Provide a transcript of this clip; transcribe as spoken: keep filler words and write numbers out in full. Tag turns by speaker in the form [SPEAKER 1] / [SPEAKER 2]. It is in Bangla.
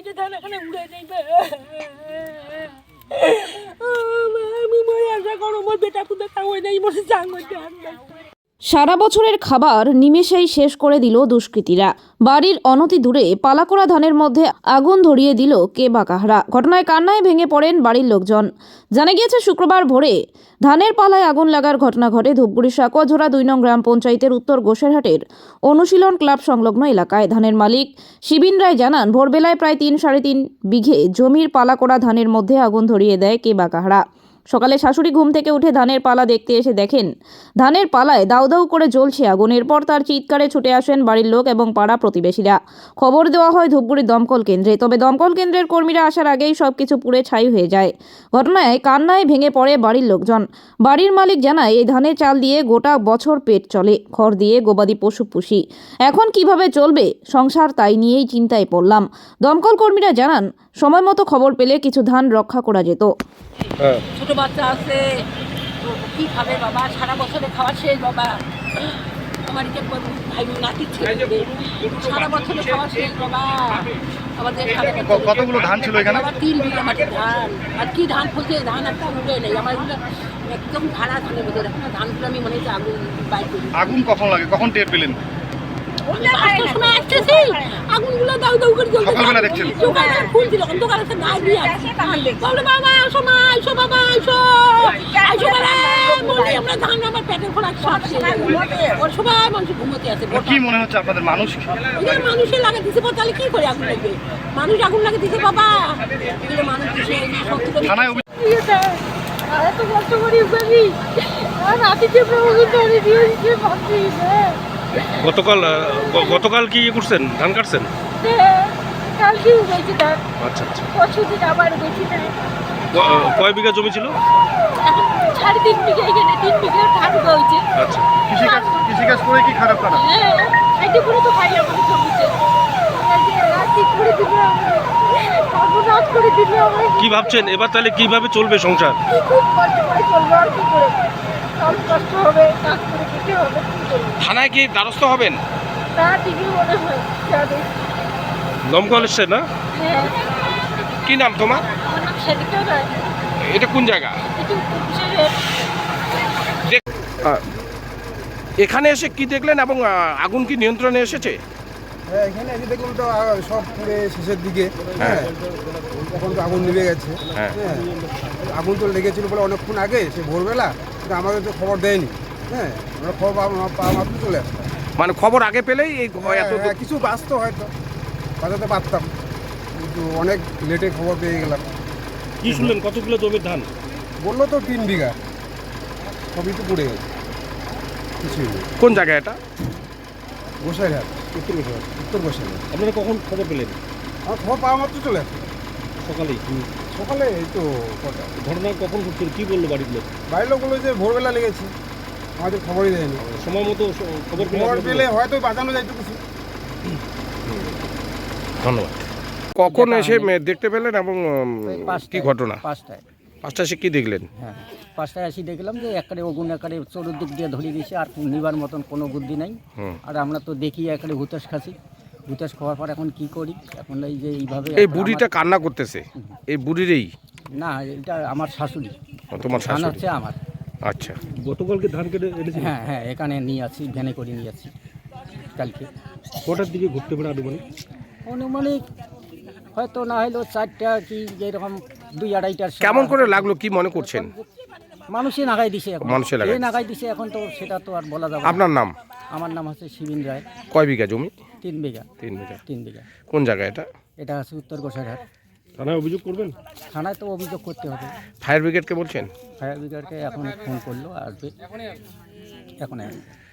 [SPEAKER 1] যে ধান এখানে উড়ে যাইবে। আমি মরে আশা করো আমার বেটা পুতে খাওয়াই নাই মরে জাঙ্গল ধান।
[SPEAKER 2] সারা বছরের খাবার নিমেষেই শেষ করে দিল দুষ্কৃতীরা। বাড়ির অনতি দূরে পালাকোড়া ধানের মধ্যে আগুন ধরিয়ে দিল কে বা কাহারা। ঘটনায় কান্নায় ভেঙে পড়েন বাড়ির লোকজন। জানা গিয়েছে শুক্রবার ভোরে ধানের পালায় আগুন লাগার ঘটনা ঘটে ধূপগুড়ির সাকুয়াঝোড়া দুই নং গ্রাম পঞ্চায়েতের উত্তর গোসেরহাটের অনুশীলন ক্লাব সংলগ্ন এলাকায়। ধানের মালিক শিবিন রায় জানান, ভোরবেলায় প্রায় তিন সাড়ে তিন বিঘে জমির পালাকোড়া ধানের মধ্যে আগুন ধরিয়ে দেয় কে বা কাহারা। সকালে শাশুড়ি ঘুম থেকে উঠে ধানের পালা দেখতে এসে দেখেন ধানের পালায় দাউ দাউ করে জ্বলছে আগুন। এরপর তার চিৎকারে ছুটে আসেন বাড়ির লোক এবং পাড়া প্রতিবেশীরা। খবর দেওয়া হয় ধূপগুড়ির দমকল কেন্দ্রে। তবে দমকল কেন্দ্রের কর্মীরা আসার আগেই সবকিছু পুড়ে ছাই হয়ে যায়। ঘটনায় কান্নায় ভেঙে পড়ে বাড়ির লোকজন। বাড়ির মালিক জানায়, এই ধানের চাল দিয়ে গোটা বছর পেট চলে, খড় দিয়ে গবাদি পশু পুষি, এখন কিভাবে চলবে সংসার তাই নিয়েই চিন্তায় পড়লাম। দমকল কর্মীরা জানান, সময় মতো খবর পেলে কিছু ধান রক্ষা করা যেত।
[SPEAKER 1] ছোট বাচ্চা আছে, কি খাবে বাবা? সারা বছরে খাওয়া শেষ বাবা। আমার যে ভাই নাতি সারা বছরে খাওয়া শেষ বাবা। আমাদের
[SPEAKER 3] কতগুলো ধান ছিল এখানে?
[SPEAKER 1] তিন বিঘা মাটির ধান। আর কি ধান ফলছে, ধান একটা উড়ে নেই আমার এগুলো একদম ধারা ধানের মধ্যে রাখা ধানগুলো। আমি মনে হচ্ছে আগুন বাইক করি।
[SPEAKER 3] আগুন কখন লাগে, কখন টের পেলেন?
[SPEAKER 1] সময় আসতেছি আগুনগুলো দাউ দাউ করে জ্বলছে।
[SPEAKER 3] সকালবেলা দেখছেন?
[SPEAKER 1] সকালবেলা ফুল ছিল, অন্ধকার আছে না দিয়ে আসছে। বলে বাবা আসো মা, আইসো বাবা আইসো আইসো বলে বলি আমরা ধান আমার পেটের খোলা খাচ্ছে। ওর সবাই মানুষ ঘুমোতে আছে।
[SPEAKER 3] কি মনে হচ্ছে আপনাদের মানুষ?
[SPEAKER 1] এগুলো মানুষের লাগে দিছে, তাহলে কি করে আগুন লাগবে? মানুষ আগুন লাগে দিছে বাবা। এগুলো মানুষ দিছে
[SPEAKER 3] থানায়
[SPEAKER 1] এত কষ্ট করি আমি আর রাতিতে প্রভু ধরে দিয়েছে ভাবছি না।
[SPEAKER 4] গতকাল গতকাল কি করছেন? ধান কাটছেন?
[SPEAKER 1] কালকে উঠেছি ধান।
[SPEAKER 4] আচ্ছা আচ্ছা।
[SPEAKER 1] পরশু দিন আবার উঠেছি না।
[SPEAKER 4] কয় বিঘা জমি ছিল?
[SPEAKER 1] এখন সাড়ে তিন বিঘা, এখানে তিন বিঘা ধান হয়েছে।
[SPEAKER 4] আচ্ছা।
[SPEAKER 3] কৃষিকাজ কৃষিকাজ করে কি খারাপ করা?
[SPEAKER 1] হ্যাঁ, সাইডে পুরো তো খাই আমাদের জমিতে। করে দিবে আমাদের করে দিবে আমাদের।
[SPEAKER 4] কি ভাবছেন এবার তাহলে কিভাবে চলবে সংসার?
[SPEAKER 1] কি খুব কষ্ট করে চলবে আর কি করে? সব কষ্ট হবে, কাজ করে খেতে হবে।
[SPEAKER 4] থানায় কি দ্বারস্থ হবেন?
[SPEAKER 1] তা ঠিকই মনে হয় যাবে।
[SPEAKER 4] দমকল এসছে না?
[SPEAKER 1] হ্যাঁ।
[SPEAKER 4] কি নাম তোমার?
[SPEAKER 1] আমার নাম সেদিকা রায়।
[SPEAKER 4] এটা কোন জায়গা?
[SPEAKER 1] একটু কুশের।
[SPEAKER 4] এখানে এসে কি দেখলেন এবং আগুন কি নিয়ন্ত্রণে এসেছে?
[SPEAKER 5] হ্যাঁ, এখানে এসে দেখলাম তো সব পুরে শেষের দিকে। হ্যাঁ, তখন তো আগুন নিভে গেছে।
[SPEAKER 4] হ্যাঁ,
[SPEAKER 5] আগুন তো লেগেছিল বলে অনেকক্ষণ আগে, সে ভোরবেলা, কিন্তু আমাদের তো খবর দেয়নি। হ্যাঁ, আমরা খবর পাওয়া মাত্র চলে আসতাম।
[SPEAKER 4] মানে খবর আগে পেলেই এই এত
[SPEAKER 5] কিছু বাঁচত হয়তো, বাঁচাতে পারতাম, কিন্তু অনেক লেটে খবর পেয়ে গেলাম।
[SPEAKER 4] কি শুনলেন? কতগুলো জমির ধান
[SPEAKER 5] বললো তো তিন বিঘা, সবই তো পড়ে গেছে, কিছুই নেই।
[SPEAKER 4] কোন জায়গা এটা?
[SPEAKER 5] গোসাইরহাট, উত্তর গোসাইরহাট, উত্তর গোসাইরহাট।
[SPEAKER 4] আপনারা কখন খবর পেলেন?
[SPEAKER 5] আমার খবর পাওয়া মাত্র চলে আসতাম
[SPEAKER 4] সকালেই।
[SPEAKER 5] সকালে এই তো কটা।
[SPEAKER 4] ঘটনা কখন ঘটছিল? কি বললো বাড়ির লোক?
[SPEAKER 5] বাড়ির লোক বললো যে ভোরবেলা লেগেছে, আমাদের খবরই দেয়নি।
[SPEAKER 4] সময় মতো খবর
[SPEAKER 5] খবর পেলে হয়তো বাঁচানো যাইতো কিছু।
[SPEAKER 4] ধন্যবাদ। কখন এসে দেখতে পেলেন এবং কি ঘটনা?
[SPEAKER 6] পাঁচটায়।
[SPEAKER 4] পাঁচটা এসে কি দেখলেন?
[SPEAKER 6] হ্যাঁ, পাঁচটায় এসে দেখলাম যে একারে ওগুন একারে চতুর্দিক দিয়ে ধরিয়ে দিয়েছে, আর নিবার মতন কোনো বুদ্ধি নাই। আর আমরা তো দেখি একারে হুতাশ খাচ্ছি, হুতাশ খাওয়ার পর এখন কি করি? এখন এই যে এইভাবে
[SPEAKER 4] এই বুড়িটা কান্না করতেছে, এই বুড়িরই?
[SPEAKER 6] না, এটা আমার শাশুড়ি।
[SPEAKER 4] তোমার
[SPEAKER 6] ধান
[SPEAKER 4] শাশুড়ি?
[SPEAKER 6] হচ্ছে আমার।
[SPEAKER 4] আচ্ছা। গতকালকে ধান কেটে এনেছি?
[SPEAKER 6] হ্যাঁ হ্যাঁ, এখানে নিয়ে আছি, ভ্যানে করে নিয়ে আছি কালকে।
[SPEAKER 4] কটার দিকে ঘুরতে পারে আনুমানিক?
[SPEAKER 6] অনুমানিক হয়তো না হলেও চারটা কি যেরকম দুই আড়াইটার।
[SPEAKER 4] কেমন করে লাগলো, কি মনে করছেন?
[SPEAKER 6] মানুষে নাগাই দিছে, এখন
[SPEAKER 4] মানুষে লাগাই
[SPEAKER 6] নাগাই দিছে, এখন তো সেটা তো আর বলা যাবে না।
[SPEAKER 4] আপনার নাম?
[SPEAKER 6] আমার নাম হচ্ছে শিবিন রায়।
[SPEAKER 4] কয় বিঘা জমি?
[SPEAKER 6] তিন বিঘা।
[SPEAKER 4] তিন বিঘা।
[SPEAKER 6] তিন বিঘা।
[SPEAKER 4] কোন জায়গা এটা?
[SPEAKER 6] এটা আছে উত্তর গোসাইরহাট।
[SPEAKER 4] থানায় অভিযোগ করবেন?
[SPEAKER 6] থানায় তো অভিযোগ করতে হবে।
[SPEAKER 4] ফায়ার ব্রিগেডকে বলছেন?
[SPEAKER 6] ফায়ার ব্রিগেডকে এখন ফোন করলো, আসবে এখন।